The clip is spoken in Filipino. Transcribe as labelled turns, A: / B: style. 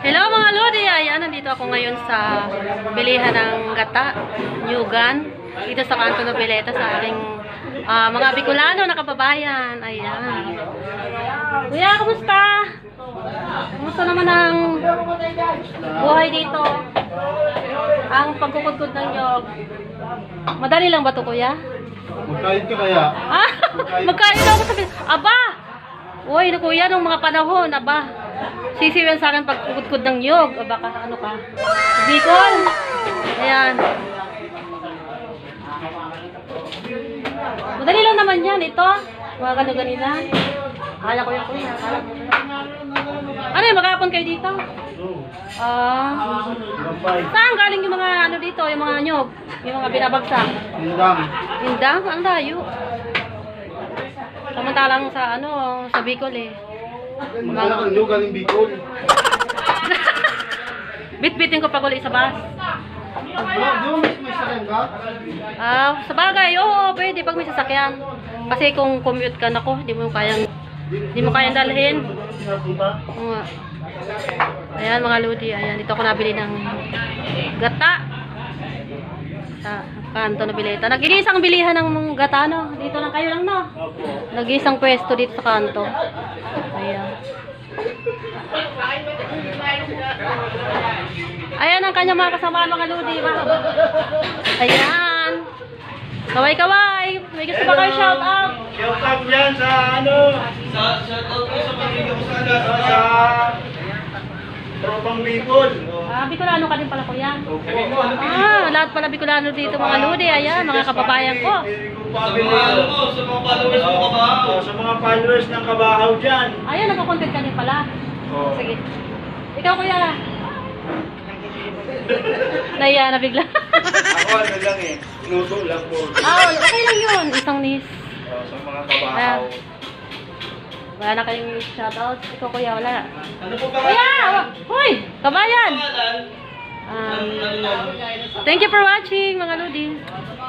A: Hello mga Lodi! Ayan, nandito ako ngayon sa bilihan ng gata, Nyugan, dito sa Kanto Noveleta sa aking mga Bicolano na kababayan. Ayan. Kuya, kumusta? Kumusta naman ang buhay dito? Ang pagkukudkod ng nyog. Madali lang ba ito, kuya?
B: Magkain ka kaya?
A: Ah, magkain ako sabi. Aba! Uy, na kuya, nung mga panahon, aba. Sisiwan sa akin pagkukudkod ng nyog. Aba ka, ano ka? Bicol! Ayan. Madali lang naman yan, ito. Mga gano-ganina. Akala ko yan, kuya. Ano yun, maghapon kayo dito? Saan galing yung mga ano dito, yung mga nyog? Yung mga binabagsak?
B: Indang.
A: Indang? Ang layo. Samantalang sa ano, sa Bicol eh.
B: Magkala kang nyo galing Bicol.
A: Bit-bitin ko pag uli sa bus.
B: Di ba may sakyan ka?
A: Sa bagay, oo, pwede pag may sasakyan. Kasi kung commute ka, nako, di mo kayang dalhin. Oo nga. Ayan mga Lodi, ayan, dito ako nabili ng gata sa Kanto Noveleta. Nag-iisang bilihan ng gata, no? Dito lang kayo lang, no? Nag-iisang pwesto dito sa kanto. Ayan. Ayan ang kanyang mga kasama, mga Lodi. Ayan. Kaway-kaway. May gusto ba kayo shout out?
B: Shout out yan sa ano? Shout out ko sa pamilya ko sa Tropang Bicol.
A: Bicolano ka din pala, kuya. Lahat pala Bicolano dito, mga Lodi. Ayan, mga kababayan ko.
B: Sa mga followers ng Kabahaw dyan.
A: Ayan, nagko-content ka din pala. Sige. Ikaw, kuya. Naiya na bigla.
B: Ako ano lang eh. Luto lang po.
A: Okay lang yun. Isang nis.
B: Sa mga Kabahaw.
A: Wala na kayong shoutout. Ikaw, kuya, wala.
B: Ano po ba?
A: Kuya! Hoy! Kabayan! Thank you for watching, mga Lodi.